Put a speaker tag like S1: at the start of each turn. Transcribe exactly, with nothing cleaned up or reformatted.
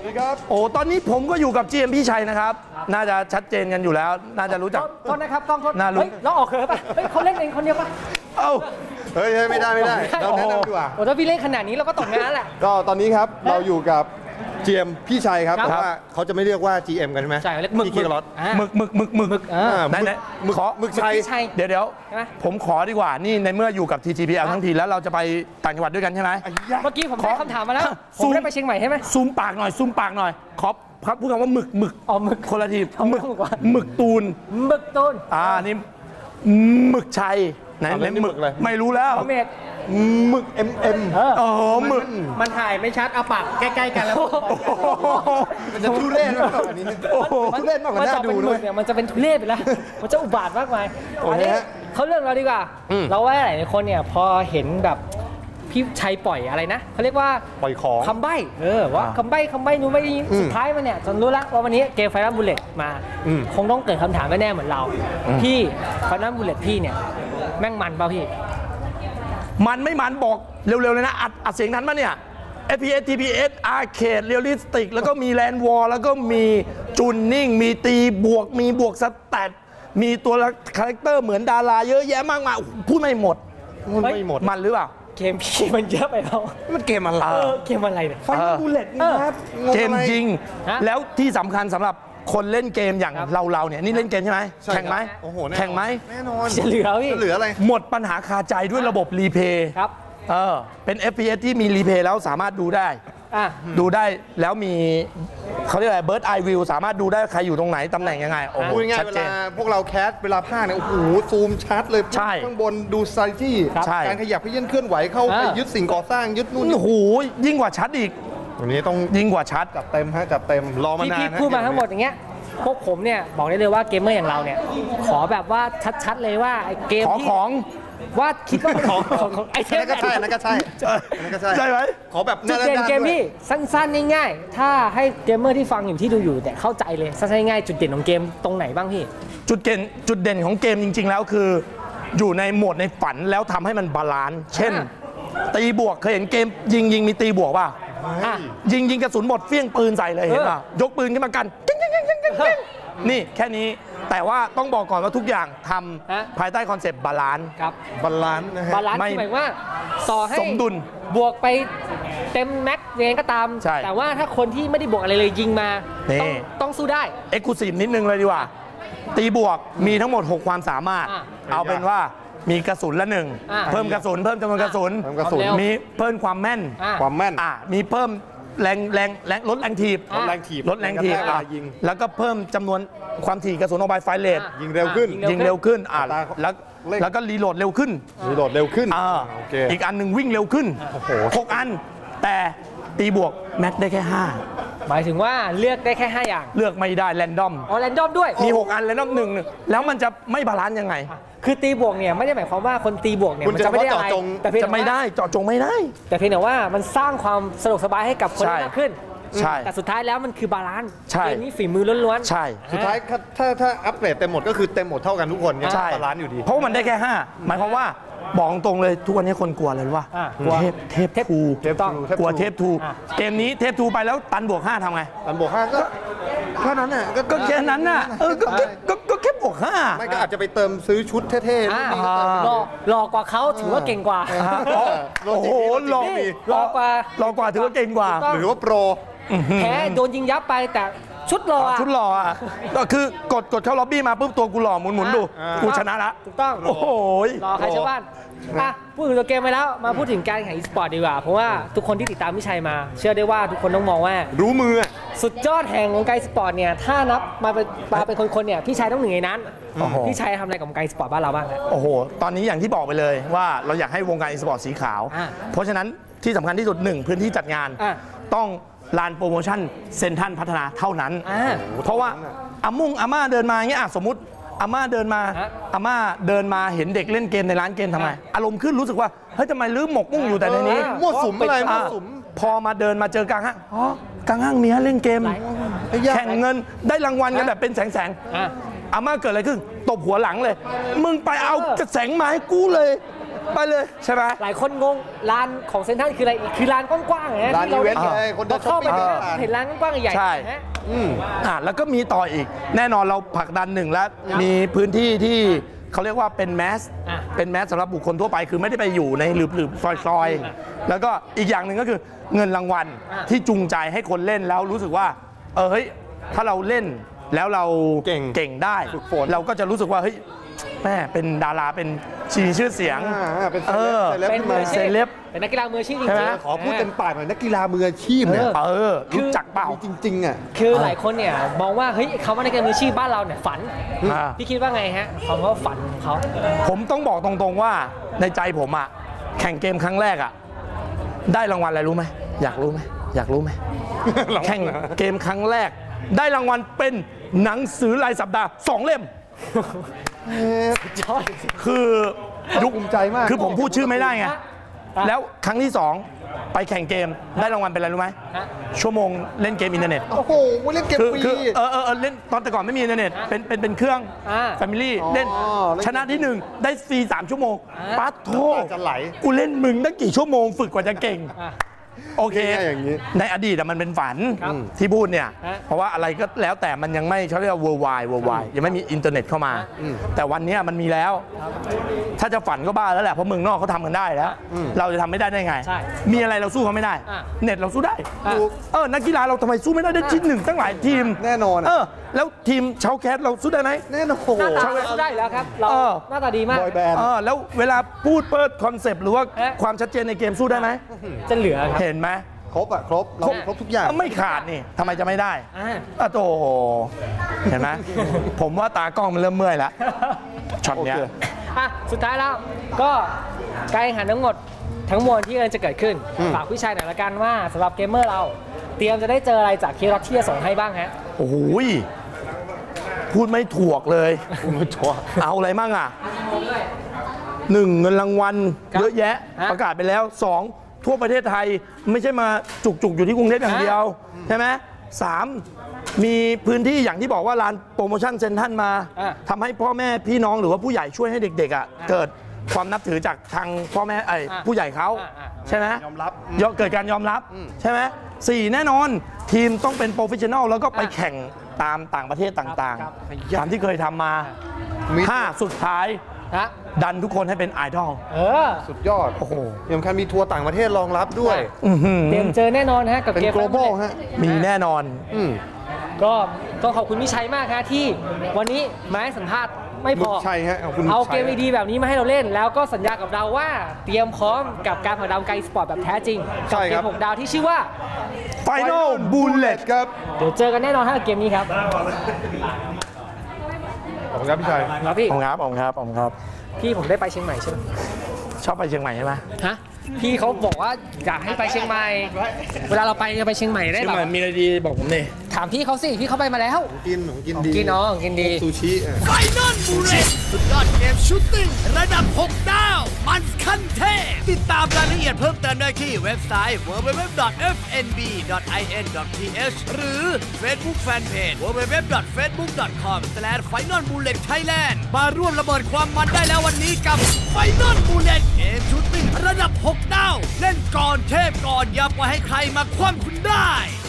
S1: ครับ
S2: โอ้ตอนนี้ผมก็อยู่กับ จี เอ็ม พี่ชัยนะครับน่าจะชัดเจนกันอยู่แล้วน่าจะรู้จัก
S3: โทษนะครับกล้องโทษ
S2: น่ารู้
S3: เฮ้ยเราออกเขินป่ะเฮ้ยเขาเล่นเองคนเดียวป่ะ
S2: เอ้า
S1: เฮ้ยไม่ได้ไม่ได้เราแนะนำดีกว่า
S3: โอ้ถ้าพี่เล่นขนาดนี้เราก็ตกงานแหละ
S1: ก็ตอนนี้ครับเราอยู่กับ จี เอ็ม พี่ชัยครับแต่ว่าเขาจะไม่เรียกว่า จี เอ็ม กันใช่ไหม
S3: ใช่เรียกหมึก
S1: พี่รถ
S2: หมึกหมึกหมึกหมึกหมึกไหนไหนขอ
S1: หมึกชัย
S2: เดี๋ยวเดี๋ยวผมขอดีกว่านี่ในเมื่ออยู่กับ ที จี พี แอล ทั้งทีแล้วเราจะไปต่างจังหวัดด้วยกันใช่ไหม
S3: เมื่อกี้ผมได้คำถามมาแล้วผมได้ไปเชียงใหม่ใช่ไหม
S2: ซูมปากหน่อยซูมปากหน่อยขอครับพูดคำว่าหมึกหมึก
S3: อ๋อหมึก
S2: คนละทีหมึกหมึกตูน
S3: หมึกตูน
S2: อ่านี่หมึกชัยไหนไหนหมึกเลยไม่รู้แล้ว
S1: หมึก เอ็ม เอ็ม
S2: โอ้โหหมึก
S3: มันถ่ายไม่ชัดเอาปากใกล้ๆกันแล้ว
S1: มันจะทุเรศมากกว่านี้ทุเรศมากกว่าน่าดูด้วย
S3: มันจะเป็นทุเรศไปแล้วมันจะอุบาทมากมายอันนี้เขาเรื่องเราดีกว่าเราว่าหลายคนเนี่ยพอเห็นแบบพี่ชัยปล่อยอะไรนะเขาเรียกว่า
S1: ปล่อยของ
S3: คำใบ้เออว่าคำใบ้คำใบ้นู้นไม่ได้สุดท้ายมันเนี่ยจนรู้แล้วว่าวันนี้เกมไฟนอลบุลเลตมาคงต้องเกิดคำถามแน่ๆเหมือนเราพี่ไฟนอลบุลเลตพี่เนี่ยแม่งมันเปล่าพี่
S2: มันไม่มันบอกเร็วๆเลยนะอัดอัดเสียงทันมั้ยเนี่ย เอฟ พี เอส ที พี เอส Arcade Realistic แล้วก็มี Land War แล้วก็มีจูนนิ่งมีตีบวกมีบวกสแตทมีตัวคาแรคเตอร์เหมือนดาราเยอะแยะมากมายพูดไม่หมด
S1: ไม่หมด
S2: มันหรือเปล่า
S3: เกมพี่มันเยอะไปแล้ว
S2: มันเกมอะไร
S3: เกมอะไรเนี่ย
S1: ไฟนอลบุลเลตนะครับ
S2: เกมจริงแล้วที่สำคัญสำหรับคนเล่นเกมอย่างเราเราเนี่ยนี่เล่นเกมใช่ไหมแข่งไหมแข่งไหม
S1: แน่นอน
S3: จะเหลือพี่
S1: จะเหลืออะไร
S2: หมดปัญหาคาใจด้วยระบบรีเพย์
S3: ครับ
S2: เออเป็น เอฟ พี เอส ที่มีรีเพย์แล้วสามารถดูได้ดูได้แล้วมีเขาเรียกอะไรเบิร์ดไอวิวสามารถดูได้ใครอยู่ตรงไหนตำแหน่งยังไงโอ้โห
S1: ชัดเจนเวลาพวกเราแคสเวลาพากเนี่ยโอ้โหซูมชัดเลยข้างบนดูไซที่การขยับขยื่นเคลื่อนไหวเข้าไปยึดสิ่งก่อสร้างยึดนู่น
S2: โอ้โหยิ่งกว่าชัดอีก
S1: วันนี้ต้อง
S2: ยิ่งกว่าชัด
S1: จัดเต็มฮะจัดเต็มรอมานาน
S3: ที่พูดมาทั้งหมดอย่างเงี้ยพวกผมเนี่ยบอกได้เลยว่าเกมเมอร์อย่างเราเนี่ยขอแบบว่าชัดๆเลยว่าไอ้เกม
S2: ที่ของ
S3: ว่าคิดว่าของของไอ้เทม
S1: นั่นก็ใช่นั่นก็ใช่นั่นก็ใช่
S2: ใช่ไหม
S1: ขอแบบ
S3: จุดเด่นเกมนี่สั้นๆง่ายๆถ้าให้เกมเมอร์ที่ฟังอยู่ที่ดูอยู่แต่เข้าใจเลยสั้นๆง่ายๆจุดเด่นของเกมตรงไหนบ้างพี่
S2: จุดเด่นจุดเด่นของเกมจริงๆแล้วคืออยู่ในโหมดในฝันแล้วทำให้มันบาลานซ์เช่นตีบวกเคยเห็นเกมยิงยิงมีตีบวกป่ะยิงยิงกระสุนหมดเฟี้ยงปืนใส่เลยเห็นป่ะยกปืนขึ้นมากันนี่แค่นี้แต่ว่าต้องบอกก่อนว่าทุกอย่างทำภายใต้คอนเซปต์บาลานซ์
S3: ครับ
S1: บาลานซ์นะฮะ
S3: บาลานซ์หมายว่าต่อให้
S2: สมดุล
S3: บวกไปเต็มแม็กซ์ยังไงก็ตามแต่ว่าถ้าคนที่ไม่ได้บวกอะไรเลยยิงมาต้องต้องสู้ได้
S2: เอ็กซ์คลูซีฟนิดนึงเลยดีกว่าตีบวกมีทั้งหมดหกความสามารถเอาเป็นว่ามีกระสุนละหนึ่งเพิ่มกระสุนเพิ่มจำนวนกระสุนมีเพิ่มความแม่น
S1: ความแม่น
S2: มีเพิ่มแรงแรงแรงลดแรงถีบ
S1: ลดแรงถีบ
S2: ลดแรงถีบแล้วก็เพิ่มจำนวนความถี่กระสุนออกไปไฟเลท
S1: ยิงเร็วขึ้น
S2: ยิงเร็วขึ้นอ่าแล้วแล้วก็รีโหลดเร็วขึ้น
S1: รีโหลดเร็วขึ้น
S2: อ่าอีกอันหนึ่งวิ่งเร็วขึ้นหกอันแต่ตีบวกแม็กได้แค่ห้า
S3: หมายถึงว่าเลือกได้แค่ห้าอย่าง
S2: เลือกไม่ได้แรนดอม
S3: อ๋อแรนดอมด้วย
S2: มีหกอันแรนดอมหนึ่งแล้วมันจะไม่บาลานซ์ยังไง
S3: คือตีบวกเนี่ยไม่ได้หมายความว่าคนตีบวกเนี่ยมันจะไม่ได้อะไร
S2: แต่จะไม่ได้เจาะจงไม่ได้
S3: แต่เพียงแต่ว่ามันสร้างความสะดวกสบายให้กับคนมากขึ้น
S2: ใช่
S3: แต่สุดท้ายแล้วมันคือบาลานซ์
S2: เก
S3: มนี้ฝีมือล้วน
S2: ๆใช่
S1: สุดท้ายถ้าถ้าอัปเกรดเต็มหมดก็คือเต็มหมดเท่ากันทุกคนยังบาลานซ์อยู่ดี
S2: เพราะมันได้แค่ห้าหมายความว่าบอกตรงเลยทุกวันนี้คนกลัวเลยว่าเทพเทพทูกลัวเทพทูเกมนี้เทพทูไปแล้วตันบวกห้าทำไง
S1: ตันบวกห้าก็แค่นั้นน่ะ
S2: ก็แค่นั้นน่ะเออก็แค่บวกห้า
S1: ไม่ก็อาจจะไปเติมซื้อชุดเท่
S3: ๆหล่อหล่อกว่าเขาถือว่าเก่งกว่า
S2: โอ้โหหล่อ
S3: หล่อกว่า
S2: หล่อกว่าถือว่าเก่งกว่า
S1: หรือว่าโปร
S3: แพ้โดนยิงยับไปแต่ชุดหล่อ
S2: ชุดหล่ออ่ะก็คือกดกดเข้าล็อบบี้มาปุ๊บตัวกูหล่อหมุนหมุนดูกูชนะละ
S3: ถูกต้อง
S2: โอ้โห
S3: หล่อใครชาวบ้านอ่ะพูดถึงตัวเกมไปแล้วมาพูดถึงการแข่งอีสปอร์ตดีกว่าเพราะว่าทุกคนที่ติดตามพี่ชัยมาเชื่อได้ว่าทุกคนต้องมองว่า
S1: รู้มือ
S3: สุดยอดแห่งวงการอีสปอร์ตเนี่ยถ้านับมาเป็นมาเป็นคนๆเนี่ยพี่ชัยต้องหนึ่งในนั้นพี่ชัยทำอะไรกับวงการอีสปอร์ตบ้านเราบ้าง
S2: โอ้โหตอนนี้อย่างที่บอกไปเลยว่าเราอยากให้วงการอีสปอร์ตสีขาวเพราะฉะนั้นที่สำคัญที่สุดหนึ่งพื้นที่จัดงานต้องลานโปรโมชั่นเซ็นทรัลพัฒนาเท่านั้นเพราะว่าอามุ่งอาม่าเดินมาอย่างเงี้ยสมมติอาม่าเดินมาอาม่าเดินมาเห็นเด็กเล่นเกมในร้านเกมทำไมอารมณ์ขึ้นรู้สึกว่าเฮ้ยทำไมลืมหมกมุ่งอยู่แต่ในนี้
S1: มั่วสุมอะไรมั่วสุม
S2: พอมาเดินมาเจอกลางห้างอ๋อกลางห้างมีให้เล่นเกมแข่งเงินได้รางวัลกันแบบเป็นแสงแสงอาม่าเกิดอะไรขึ้นตบหัวหลังเลยมึงไปเอากระแสงมาให้กูเลยไปเลยใช่ไหม
S3: หลายคนงงลานของเซ็นทรัลคืออะไรคือลานกว้างๆนะที่เราได้เข้าไปเห็นลานกว้างๆใหญ่ๆ
S2: ใช่อ่าแล้วก็มีต่ออีกแน่นอนเราผลักดันหนึ่งแล้วมีพื้นที่ที่เขาเรียกว่าเป็นแมสเป็นแมสสำหรับบุคคลทั่วไปคือไม่ได้ไปอยู่ในหลืบๆซอยๆแล้วก็อีกอย่างหนึ่งก็คือเงินรางวัลที่จูงใจให้คนเล่นแล้วรู้สึกว่าเออเฮ้ยถ้าเราเล่นแล้วเราเก่งเก่งได้เราก็จะรู้สึกว่าเฮ้ยแม่เป็นดาราเป็นชีชื่อเสียง
S1: เป็นเ
S3: ซเลบเป็นนักกีฬามืออาชีพจริง
S1: ๆขอพูดเต็มปากหน่อยนักกีฬามืออาชีพเนี่ย
S2: เออรู้จักเปล่า
S1: จริงๆอ่ะ
S3: คือหลายคนเนี่ยมองว่าเฮ้ยคำว่านักกีฬามืออาชีพบ้านเราเนี่ยฝันพี่คิดว่าไงฮะคำว่าฝันของเขา
S2: ผมต้องบอกตรงๆว่าในใจผมอ่ะแข่งเกมครั้งแรกอ่ะได้รางวัลอะไรรู้ไหมอยากรู้ไหมอยากรู้ไหมแข่งเกมครั้งแรกได้รางวัลเป็นหนังสือรายสัปดาห์สองเล่มคือ
S1: ยุคภูมิใจมาก
S2: คือผมพูดชื่อไม่ได้ไงแล้วครั้งที่สองไปแข่งเกมได้รางวัลเป็นอะไรรู้ไหมชั่วโมงเล่นเกมอินเทอร์เน็ต
S1: โอ้โหเล่นเกมฟรี
S2: เออเออเล่นตอนแต่ก่อนไม่มีอินเทอร์เน็ตเป็นเป็นเป็นเครื่องแฟมิลี่เล่นชนะที่หนึ่งได้ฟรีสามชั่วโมงปั๊ดโท
S1: จะไหล
S2: กูเล่นมึงตั้งกี่ชั่วโมงฝึกกว่าจะเก่งโอเคในอดีตมันเป็นฝันที่พูดเนี่ยเพราะว่าอะไรก็แล้วแต่มันยังไม่เขาเรียกว่า worldwide worldwide ยังไม่มีอินเทอร์เน็ตเข้ามาแต่วันนี้มันมีแล้วถ้าจะฝันก็บ้าแล้วแหละเพราะเมืองนอกเขาทำกันได้แล้วเราจะทำไม่ได้ได้ไงมีอะไรเราสู้เขาไม่ได้เน็ตเราสู้ได้เออนักกีฬาเราทำไมสู้ไม่ได้ได้ที่หนึ่งตั้งหลายทีม
S1: แน่นอน
S2: เออแล้วทีมชาวแคสเราสู้ได้ไหม
S1: แน่นอน
S3: ชาวแคสสู้ได้แล้วครับเราหน้าตาดีมาก
S2: เออแล้วเวลาพูดเปิดคอนเซปต์หรือว่าความชัดเจนในเกมสู้ได้ไหม
S3: จะเหลือ
S2: เห็นไหม
S1: ครบอะครบเราครบทุกอย่าง
S2: ไม่ขาดนี่ทำไมจะไม่ได้อ่ะโตเห็นไหมผมว่าตากล้องมันเริ่มเมื่อยแล้วช็อตเนี้ย
S3: อ่ะสุดท้ายแล้วก็การแข่งขันทั้งหมดทั้งมวลที่กำลังจะเกิดขึ้นฝากพี่ชัยหน่อยละกันว่าสำหรับเกมเมอร์เราเตรียมจะได้เจออะไรจากเคร็อกที่จะส่งให้บ้างฮะ
S2: โอ้โหพูดไม่ถูกเลยพูดไม่ถูกเอาอะไรมั่งอ่ะหนึ่งเงินรางวัลเยอะแยะประกาศไปแล้วสองทั่วประเทศไทยไม่ใช่มาจุกๆอยู่ที่กรุงเทพอย่างเดียวใช่ไหมสามมีพื้นที่อย่างที่บอกว่าร้านโปรโมชั่นเซ็นทรัลมาทำให้พ่อแม่พี่น้องหรือว่าผู้ใหญ่ช่วยให้เด็กๆอ่ะเกิดความนับถือจากทางพ่อแม่ไอ้ผู้ใหญ่เขาใช่ไหม
S1: ยอมรับ
S2: เกิดการยอมรับใช่ไหมสี่แน่นอนทีมต้องเป็นโปรเฟชชั่นอลแล้วก็ไปแข่งตามต่างประเทศต่างๆตามที่เคยทำมาห้าสุดท้ายดันทุกคนให้เป็นไอดอล
S1: สุดยอดโอ้โหยังคันมีทัวร์ต่างประเทศรองรับด้วย
S3: เตรียมเจอแน่นอนฮะกับเกม
S1: global ฮะ
S2: มีแน่นอน
S3: ก็ต้องขอบคุณพี่ชัยมากฮะที่วันนี้มาให้สัมภาษณ์ไม่พอ
S1: ใช่ฮะ
S3: เอาเกมดีแบบนี้มาให้เราเล่นแล้วก็สัญญากับเราว่าเตรียมพร้อมกับการผลักดันไกลสปอร์ตแบบแท้จริงกับเกมหกดาวที่ชื่อว่า
S2: Final Bullet
S1: ครับ
S3: เดี๋ยวเจอกันแน่นอนฮะเกมนี้ครับ
S1: ขอบคุณครับพี่ชัย
S3: ครับพี่
S2: ขอบคุณครับขอบคุณครับขอบคุณครับ
S3: พี่ผมได้ไปเชียงใหม่ใช่ไหม
S2: ชอบไปเชียงใหม่ใช่ไหม
S3: ฮะพี่เขาบอกว่าอยากให้ไปเชียงใหม่เวลาเราไปจะไปเชียงใหม่ได้แบบ
S2: มีอะไรดีบอกผมดิ
S3: ถามพี่เขาสิพี่เขาไปมาแล้ว
S1: กินของกินดี
S3: กินน้องกินดี
S1: ซูชิ
S4: ไฟนอลบูเลตสุดยอดเกมชูตติ้งระดับหกดาวมันขั้นเทพติดตามรายละเอียดเพิ่มเติมได้ที่เว็บไซต์ ดับเบิลยู ดับเบิลยู ดับเบิลยู ดอท เอฟ เอ็น บี ดอท ไอ เอ็น ดอท ที เอช หรือ Facebook Fanpage ดับเบิลยู ดับเบิลยู ดับเบิลยู ดอท เฟซบุ๊ก ดอท คอม สแลช ไฟนอลบูเลต ไทยแลนด์ มาร่วมระเบิดความมันได้แล้ววันนี้กับไฟนอลบูเลตเกมชูตติ้งระดับหกดาวเล่นก่อนเทพก่อนอย่าปล่อยให้ใครมาคว่ำคุณได้